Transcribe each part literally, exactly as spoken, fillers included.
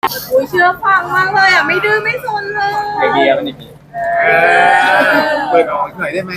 อุ้ยเชื่อฟังมากเลยอ่ะไม่ดื้อไม่ซนเลยไอเดียมันนี่มีเออเปิดออกหน่อยได้ไหม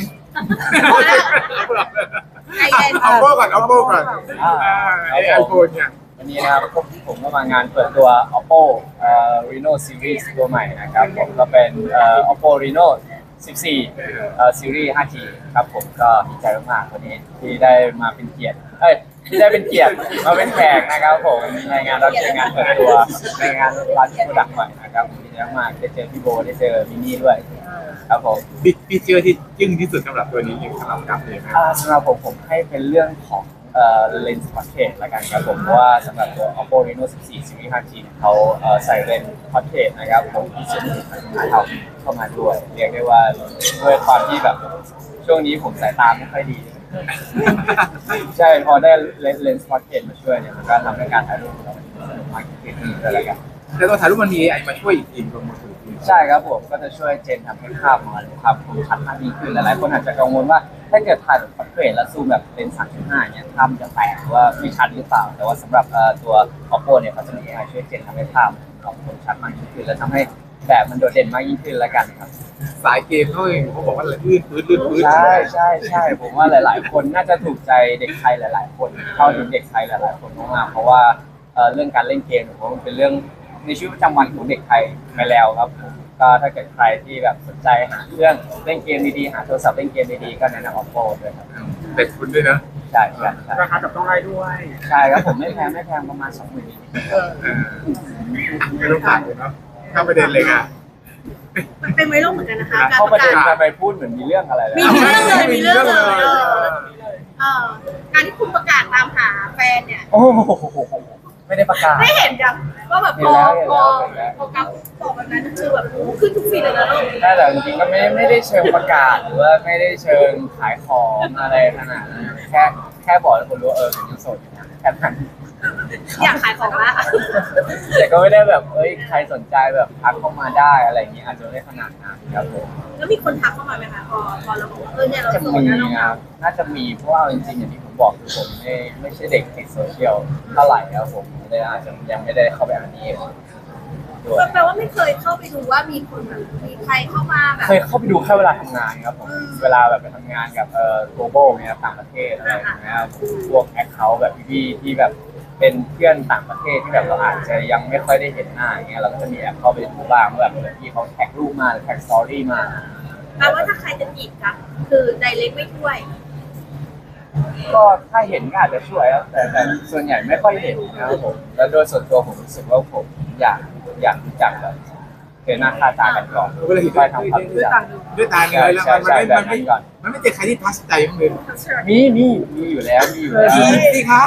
ไอเอ็นเอาโป้ก่อนเอาโป้ก่อนไอไอโฟนเนี่ยวันนี้นะครับผมผมก็มางานเปิดตัว Oppo เอ่อ Reno Series ตัวใหม่นะครับผมก็เป็นเอ่อ Oppo Reno สิบสี่เอ่อ Series ไฟว์จี ครับผมก็ดีใจมากๆวันนี้ที่ได้มาเป็นเกียรติเอ้ยที่ได้เป็นเกียรติมาเป็นแขกนะครับผมในงานรับเชิญงานเปิดตัวในงานร้านโปรดักต์ใหม่นะครับดีใจมากได้เจอพี่โบได้เจอมินี่ด้วยครับผมฟีเจอร์ที่จึ้งที่สุดสำหรับตัวนี้สำหรับกับเลยนะอ่าสำหรับผมผมให้เป็นเรื่องของเอ่อเลนส์พอร์เทรตละกันครับผมเพราะว่าสำหรับตัว Oppo Reno สิบสี่ Series ไฟว์จี เนี่ยเขาเอ่อใส่เลนส์พอร์เทรตนะครับผมที่จะมีปัญหาเข้ามาด้วยเรียกได้ว่าด้วยความที่แบบช่วงนี้ผมสายตาไม่ค่อยดี ใช่พอได้เลนส์พอร์เทรตมาช่วยเนี่ยมันก็ทำให้การถ่ายรูปของเราสนุกมากขึ้นด้วยละกันแต่ตัวถ่ายรูปมันมีไอมาช่วยอีกทีตรงมือถือใช่ครับผมก็จะช่วยเจนทำให้ภาพของเราความคมชัดมากยิ่งขึ้นหลายๆคนอาจจะกังวลว่าถ้าเกิดถ่ายแบบพอร์เทรตแล้วซูมแบบเป็น สามจุดห้า เนี่ยภาพมันจะแตกหรือว่าไม่ชัดหรือเปล่าแต่ว่าสำหรับเอ่อตัว Oppo เนี่ยเขาจะมี เอ ไอ ช่วยเจนทำให้ภาพของคมชัดมากยิ่งขึ้นและทำให้แบบมันโดดเด่นมากยิ่งขึ้นละกันครับสายเกมเขาเองเขาบอกว่าลื่นพื้นลื่นพื้นใช่ใช่ใช่ผมว่าหลาย ๆ คนน่าจะถูกใจเด็กไทยหลาย ๆ คนเข้าถึงเด็กไทยหลาย ๆ คนมากๆเพราะว่าเอ่อเรื่องการเล่นเกมผมว่ามันเป็นเรื่องในชีวิตประจำวันของเด็กไทยไปแล้วครับผมก็ถ้าเกิดใครที่แบบสนใจหาเครื่องเล่นเกมดีๆหาโทรศัพท์เล่นเกมดีๆก็แนะนำ Oppo ด้วยครับเด็กคุณด้วยนะใช่ใช่ใช่ราคาจับต้องได้ด้วยใช่ครับผมไม่แพงไม่แพงประมาณสองหมื่นไม่ต้องผ่านเลยเนาะเข้าประเด็นเลยค่ะมันเป็นไวรัลเหมือนกันนะคะการเข้าปประ ระกาเด็นศมาไปพูดเหมือนมีเรื่องอะไรเลยมีเรื่องเลยมีเรื่องเลยเออเออการที่คุณประกาศตามหาแฟนเนี่ยโอ้โหไม่ได้ประกาศได้เห็นยังว่าแบบพอพอพอกับบอกแบบนั้นคือแบบขึ้นทุกฟีดเลยนะลูกแต่จริงๆก็ไม่ไม่ได้เชิงประกาศหรือว่าไม่ได้เชิงขายของอะไรขนาดนั้นแค่แค่บอกให้คนรู้ว่าเออผมยังโสดอยู่นะแค่นั้นอยากขายของละแต่ก็ไม่ได้แบบเอ้ยใครสนใจแบบทักเข้ามาได้อะไรอย่างเงี้ยอาจจะไม่ได้ขนาดนั้นครับผมแล้วมีคนทักเข้ามาไหมคะพอพอเราบอกว่าเออเนี่ยเราจะโสมีดนะเราคเหรังาบน่าจะมีเพราะว่าจริงๆอย่างที่ผมบอกคือผมไม่ไม่ใช่เด็กติดโซเชียลเท่าไหร่ครับผมเลยอาจจะยังไม่ได้เข้าไปอ่านนี้ด้วยแปลว่าไม่เคยเข้าไปดูว่ามีคนแบบมีใครเข้ามาแบบเคยเข้าไปดูแค่เวลาทำงานครับผมเวลาแบบไปทำงานกับเอ่อ global เนี่ยต่างประเทศอะไรอย่างเงี้ยครับพวกแอคเคาท์แบบพี่ๆที่แบบเป็นเพื่อนต่างประเทศที่แบบเราอาจจะยังไม่ค่อยได้เห็นหน้าอย่างเงี้ยเราก็จะมีแอปเข้าไปดูบ้างว่าแบบเผื่อพี่เขาแท็กรูปมาหรือแท็กสตอรี่มาแปลว่าถ้าใครจะจีบกันคือไดเรกไม่ช่วยก็ถ้าเห็นก็อาจจะช่วยครับแต่แต่ส่วนใหญ่ไม่ค่อยเห็นนะครับผมแล้วโดยส่วนตัวผมรู้สึกว่าผมอยากอยากรู้จักแบบเห็นหน้าค่าตากันก่อนเวลาเห็นไปทำความรู้จักด้วยตาเนื้อแล้วมันไม่มันไม่มันไม่เจอใครที่ทัชใจมั้งเลยมีมีมีอยู่แล้วมีอยู่แล้วสิคะ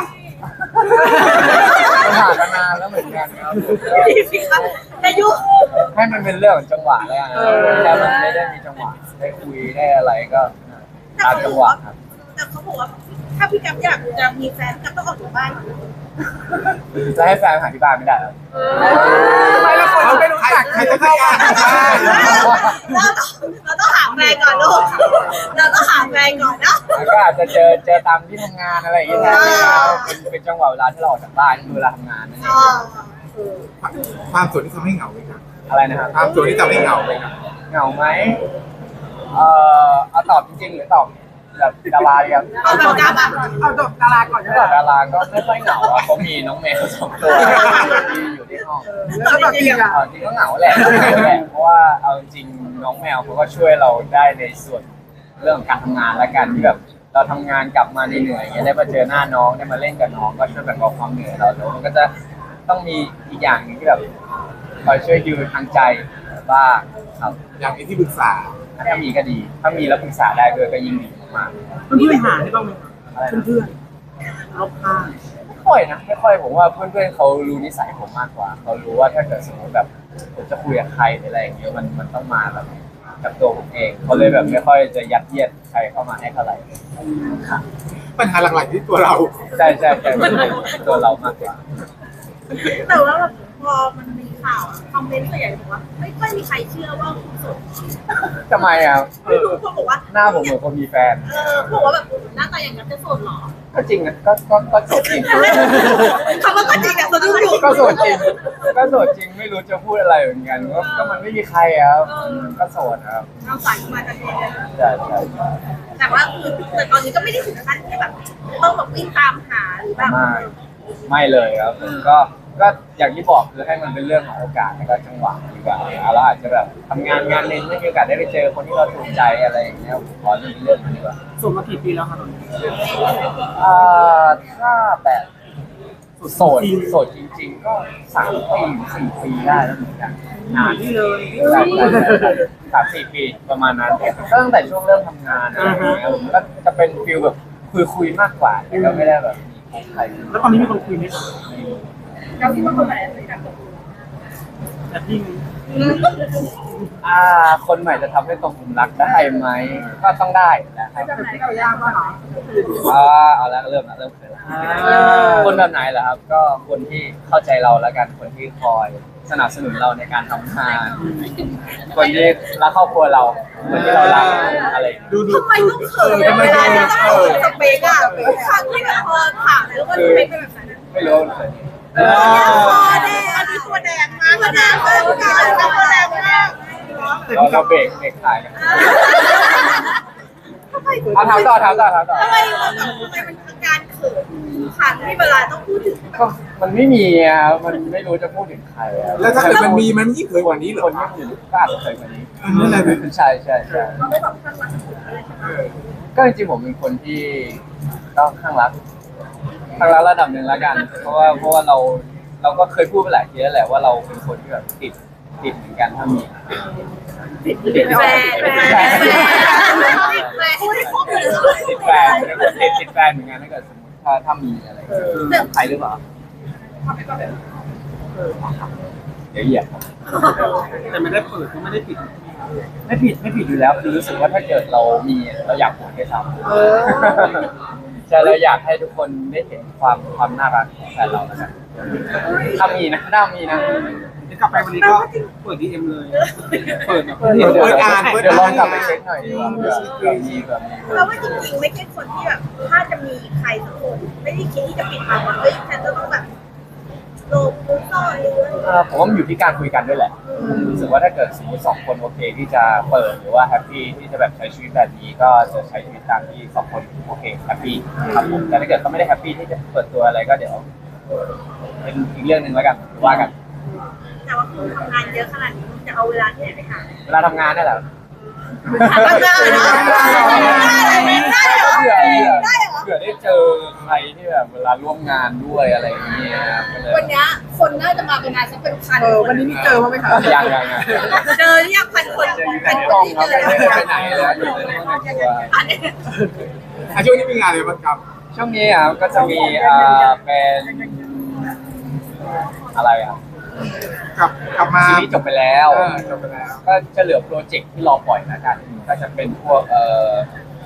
มันผ่านมานานแล้วเหมือนกันครับดีสิคะจะยุ่งให้มันเป็นเรื่องของจังหวะแล้วกันถ้ามันไม่ได้มีจังหวะได้คุยได้อะไรก็ตามจังหวะครับแต่เขาบอกว่าถ้าพี่กั๊บอยากจะมีแฟนกั๊บต้องออกจากบ้านจะให้แฟนหาที่บ้านไม่ได้หรอทำไมเราคนไม่รู้จักใครจะเข้าบ้านเราต้องเราต้องหาแฟนก่อนลูกเราต้องหาแฟนก่อนนะแล้วก็อาจจะเจอเจอตามที่ทำงานอะไรอย่างเงี้ยแทนเป็นเป็นจังหวะเวลาที่เราออกจากบ้านคือเวลาทำงานนั่นเออ๋องความสวยที่ทำให้เหงาไหมครับอะไรนะครับความสวยที่ทำให้เหงาไหมครับเหงาไหมเอ่อเอาตอบจริงๆหรือตอบแบบดาราดีครับเอาแบบกั๊บอ่ะเอาจบดาราก่อนถ้าตอบดาราก็ไม่ค่อยเหงาอ่ะเขามีน้องแมวสองตัวที่อยู่ที่ห้องแล้วตอบจริงอ่ะเอาจริงก็เหงาแหละเหงาแหละเพราะว่าเอาจริงน้องแมวเขาก็ช่วยเราได้ในส่วนเรื่องการทำงานและกันที่แบบเราทำงานกลับมาเหนื่อยๆอย่างเงี้ยได้มาเจอหน้าน้องได้มาเล่นกับน้องก็ช่วยแบ่งเบาความเหนื่อยเราแล้วมันก็จะต้องมีอีกอย่างหนึงที่แบบคอยช่วยดิวทางใจบ้างครับอย่างนี้ที่ปรึกษาถ้ามีก็ดี ถ้ามีแล้วปรึกษาได้ด้วยก็ยิ่งดีมากเพื่อนๆหาได้บ้างไหมๆอะไรนะเพื่อนๆเอาผ้าไม่ค่อยนะไม่ค่อยผมว่าเพื่อนๆเขารู้นิสัยผมมากกว่าเขารู้ว่าถ้าเกิดสมมติแบบผมจะคุยกับใครหรืออะไรอย่างเงี้ยมันมันต้องมาแบบกับตัวผมเองเขาเลยแบบไม่ค่อยจะยัดเยียดใครเข้ามาให้เท่าไหร่ค่ะปัญหาหลักๆที่ตัวเราใช่ใช่ใช่มันเป็นตัวเรามากกว่าแต่ว่าแบบพอมันมีข่าวคอมเมมนต์ส่วนใหญ่บอกว่าไม่ค่อยมีใครเชื่อว่าคุณโสดทำไมอ่ะไม่รู้คนบอกว่าหน้าผมเหมือนคนมีแฟนเออบอกว่าแบบหน้าตาอย่างนั้นจะโสดเหรอก็จริงนะก็ก็ก็โสดจริงคำว่าก็จริงอะสะดุ้งอยู่ก็โสดจริงก็โสดจริงไม่รู้จะพูดอะไรเหมือนกันก็ก็มันไม่มีใครอะครับก็โสดครับเอาสายมาจากนี้เลยใช่ใช่ใช่แต่ว่าคือแต่ตอนนี้ก็ไม่ได้ถึงขั้นที่แบบต้องแบบวิ่งตามหาหรือแบบไม่ไม่เลยครับผมก็ก็อย่างที่บอกคือให้มันเป็นเรื่องของโอกาสแล้วก็จังหวะดีกว่าเราอาจจะแบบทำงานงานหนึงไม่มีโอกาสได้ไปเจอคนที่เราถูกใจอะไรอย่างเงี้ยผมขอเป็นเรื่องนี้ดีกว่าส่งมากี่ปีแล้วครับอ่าถ้าแบบโสดโสดจริง ๆ ก็สามปีสี่ปีได้แล้วเหมือนกันนานนี่เลยใช่ใช่ใช่สามสี่ปีประมาณนั้นก็ตั้งแต่ช่วงเริ่มทำงานอะไรอย่างเงี้ยผมก็จะเป็นฟิลแบบคุยคุยๆมากกว่าแต่ก็ไม่ได้แบบมีใครแล้วตอนนี้มีคนคุยไหมเราคิดว่าคนไหนจะแบบแต่พี่มีอ่าคนใหม่จะทำให้ตรงกลุ่มรักได้ไหมก็ต้องได้นะครับแต่พี่ก็ยากมากเหรออ่าเอาละเริ่มละเริ่มเขินละคนแบบไหนเหรอครับ ก็คนที่เข้าใจเราแล้วกันคนที่คอยสนับสนุนเราในการทำงานคนที่รักครอบครัวเราคนที่เรารักอะไรอย่างเงี้ยดูดูทำไมต้องเขินเวลาจะต้องพูดสเปกอะทุกครั้งที่แบบพอถามแล้วว่าสเปกเป็นแบบไหนไม่รู้เลยคอแดงอันนี้ตัวแดงมากตัวแดงมากตัวแดงมากเราเราเบรกเบรกถ่ายกันเอาถามต่อถามต่อถามต่อทำไมมันแบบทำไมมันอาการเขินขันที่เวลาต้องพูดถึงก็มันไม่มีอ่ะมันไม่รู้จะพูดถึงใครอ่ะแล้วถ้าเกิดมันมีมันยิ่งเคยกว่านี้เหรคอนที่อยู่ก็อาจจะเคยกว่านี้นั่นแหละใช่ใช่ใช่เราไม่แบบข้างรักอะไรใช่ไหมก็จริงๆผมเป็นคนที่ต้องข้างรักข้างรักระดับหนึ่งแล้วกัน เพราะว่าเพราะว่าเราเราก็เคยพูดไปหลายทีแล้วแหละว่าเราเป็นคนที่แบบติดติดเหมือนกันถ้ามีติดติดแฟนแฟนแฟนแฟนพูดให้ครบเลยติดแฟนติดติดแฟนเหมือนกันถ้าเกิดสมมติถ้าถ้ามีอะไรใครหรือเปล่าเดี๋ยวเหยียบครับแต่ไม่ได้เปิดก็ไม่ได้ปิดไม่ผิดไม่ผิดอยู่แล้วคือรู้สึกว่าถ้าเกิดเรามีเราอยากพูดด้วยซ้ำใช่เราอยากให้ทุกคนได้เห็นความความน่ารักของแฟนเราแล้วกันถ้ามีนะถ้ามีนะเดี๋ยวกลับไปวันนี้ก็เปิดดีเอ็มเลย เปิดแบบเดี๋ยวเดี๋ยวเดี๋ยวลองกลับไปเช็คหน่อยดีกว่าเผื่อเผื่อมีแบบมีเราว่าจริงๆไม่ใช่คนที่แบบถ้าจะมีใครสักคนไม่ได้คิดที่จะปิดบังว่าเฮ้ยฉันจะต้องแบบโลภมุซ่อนหรือเอ่อผมว่ามันอยู่ที่การคุยกันด้วยแหละผมรู้สึกว่าถ้าเกิดสมมติสองคนโอเคที่จะเปิดหรือว่าแฮปปี้ที่จะแบบใช้ชีวิตแบบนี้ก็จะใช้ชีวิตตามที่สองคนโอเคแฮปปี้ครับผมแต่ถ้าเกิดเขาไม่ได้แฮปปี้ที่จะเปิดตัวอะไรก็เดี๋ยวเป็นอีกเรื่องหนึ่งแล้วกันว่ากันแต่ว่าคุณทำงานเยอะขนาดนี้จะเอาเวลาที่ไหนไปหาเวลาทำงานนี่แหละทำงานเนาะได้เหรอเผื่อได้เหรอเผื่อได้เจอใครที่แบบเวลาร่วมงานด้วยอะไรอย่างเงี้ยก็เลยวันนี้คนน่าจะมาเป็นงานสักเป็นพันเออวันนี้มีเจอมั้างไหมคะยังยังยังเจอหรือยังพันคนเจออยู่ในพันกคล้อน งที่ครับเจอไม่ได้ไปไหนเลยอยู่ในห้องแต่งตัวอันนี้อ่ะช่วงนี้มีงานอะไรบ้างครับช่วงนี้อ่ะก็จะมีอ่าเป็นอะไรอ่ะกลับกลับมาซีรีส์จบไปแล้วเออจบไปแล้วก็จะเหลือโปรเจกต์ที่รอปล่อยแล้วกันก็จะเป็นพวกเอ่อ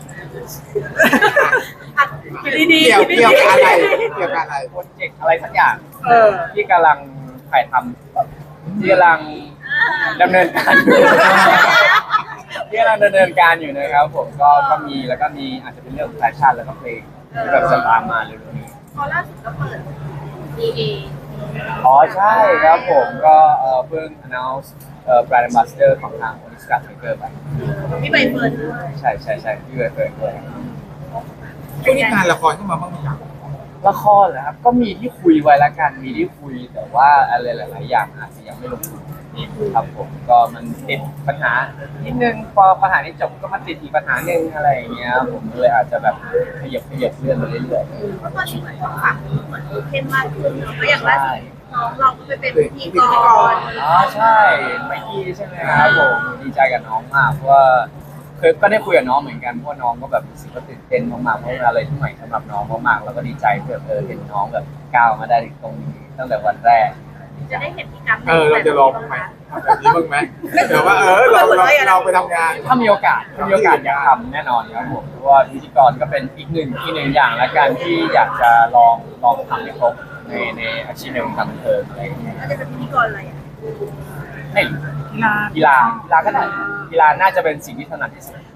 ดีเกี่ยวเกี่ยวกับอะไรเกี่ยวกับอะไรโปรเจกต์อะไรสักอย่างเออที่กำลังถ่ายทำที่กำลังดำเนินการอยู่ ที่กำลังดำเนินการอยู่นะครับผมก็ก็มีแล้วก็มีอาจจะเป็นเรื่องแฟชั่นแล้วก็เพลงที่แบบจะตามมาเร็วๆนี้พอล่าสุดก็เปิด ดี เออ๋อใช่ครับผมก็เอ่อเพิ่ง announce เอ่อ brand ambassador ของทาง Oniska Tiger ไปพี่ใบเฟิร์นด้วยใช่ใช่ใช่ที่เคยเคยเคยช่วงนี้งานละครเข้ามาบ้างไหมครับละครเหรอครับก็มีที่คุยไว้ละกันมีที่คุยแต่ว่าอะไรหลาย ๆ อย่างอาจจะยังไม่ลงตัวครับผมก็มันติดปัญหานิดนึงพอปัญหานี้จบก็มาติดอีกปัญหาหนึ่งอะไรอย่างเงี้ยผมเลยอาจจะแบบขยับขยับเลื่อนไปเรื่อยเพราะตอนนี้เหมือนฝั่งเหมือนเข้มมากขึ้นเนาะก็อย่างล่าสุดน้องเราก็ไปเป็นพิธีกรๆอ๋อใช่ไมกี้ใช่ไหมครับผมดีใจกับน้องมากเพราะว่าเคยก็ได้คุยกับน้องเหมือนกันเพราะน้องก็แบบรู้สึกว่าตื่นเต้นมากๆเพราะเป็นอะไรที่ใหม่สำหรับน้องมากๆแล้วก็ดีใจที่แบบเออเห็นน้องแบบก้าวมาได้ถึงตรงนี้ตั้งแต่วันแรกจะได้เห็นพี่กั๊เออเราจะลองบ้างไหมแบบนี้บ้างไหมเดี๋ยวว่าเออเราเราเราไปทำงานถ้ามีโอกาสถ้ามีโอกาสอยากทำแน่นอนครับผมเพราะว่าพิธีกรก็เป็นอีกหนึ่งอีกหนึ่งอย่างละกันที่อยากจะลองลองทำให้ครบในในอาชีพในวงการบันเทิงอะไรอย่างเงี้ยเราจะเป็นพิธีกรอะไรอ่ะไม่กีฬากีฬากีฬาก็ได้กีฬาน่าจะเป็นสิ่งที่ถนัดที่สุด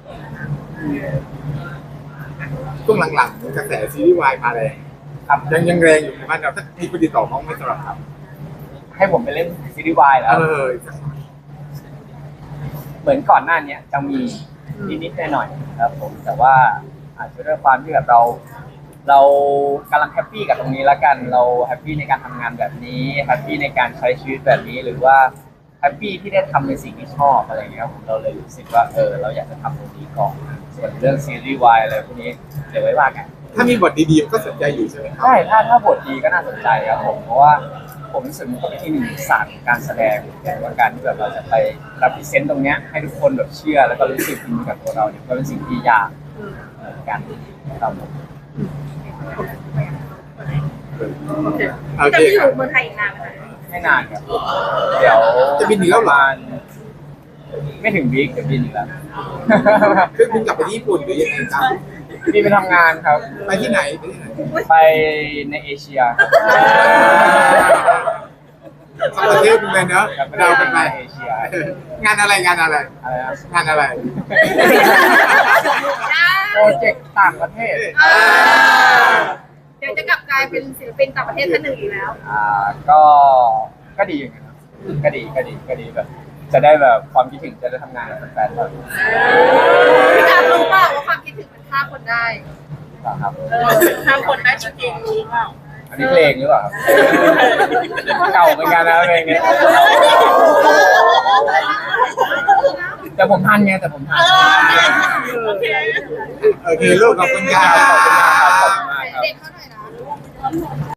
ช่วงหลังๆกระแสซีรีส์วายมาแรงครับยังยังแรงอยู่ในบ้านเราถ้ามีคนติดต่อมาไม่สำหรับครับให้ผมไปเล่นซีรีส์วายแล้วเออเหมือนก่อนหน้านี้จะมีนิดๆหน่อยๆครับผมแต่ว่าอาจจะด้วยความที่แบบเรา เรากำลังแฮปปี้กับตรงนี้แล้วกันเราแฮปปี้ในการทำงานแบบนี้แฮปปี้ในการใช้ชีวิตแบบนี้หรือว่าแฮปปี้ที่ได้ทำในสิ่งที่ชอบอะไรอย่างเงี้ยครับผมเราเลยรู้สึกว่าเออเราอยากจะทำตรงนี้ก่อนส่วนเรื่องซีรีส์วายอะไรพวกนี้เดี๋ยวไว้ว่ากันถ้ามีบทดีๆก็สนใจอยู่ใช่ไหมครับใช่ถ้าถ้าบทดีก็น่าสนใจครับผมเพราะว่าผมรู้สึกมันก็เป็นอีกหนึ่งศาสตร์การแสดงว่าการที่แบบเราจะไปรับพรีเซนต์ตรงเนี้ยให้ทุกคนแบบเชื่อแล้วก็รู้สึกอินกับตัวเราเนี่ยก็เป็นสิ่งที่ยากเหมือนกันครับผมโอเคโอจะเคไม่อครัยู่บเมืองไทยอีกนานไหมคะไม่นานครับเดี๋ยวจะบินอีกแล้วเหรอประมาณไม่ถึงวีคเดี๋ยวบินอีกแล้วคือคุณกลับไปที่ญี่ปุ่นหรือยังไงครับบินไปทำงานครับไปที่ไหนไปที่ไหนไปในเอเชียครับสองประเทศเลยเนอะเรากันไปเอเชียงานอะไรงานอะไรอะไรนะงานอะไรโปรเจกต์ต่างประเทศเดี๋ยวจะกลับกลายเป็นศิลปินต่างประเทศท่านหนึ่งอีกแล้วอ่าก็ก็ดีอย่างเงี้ยครับก็ดีก็ดีก็ดีแบบ จะได้แบบความคิดถึงจะได้ทำงานกับแฟนๆแบบพี่การรู้เปล่าว่าความคิดถึงมันฆ่าคนได้ครับฆ่าคนได้จริงๆรู้เปล่าอันนี้เพลงหรือเปล่าครับเก่าเหมือนกันนะเพลงนี้แต่ผมทันไงแต่ผมทันโอเคโอเคลูกขอบคุณคขรัอบคุณมากครับบขอบคุณมากครับเด็กเขาหน่อยนะ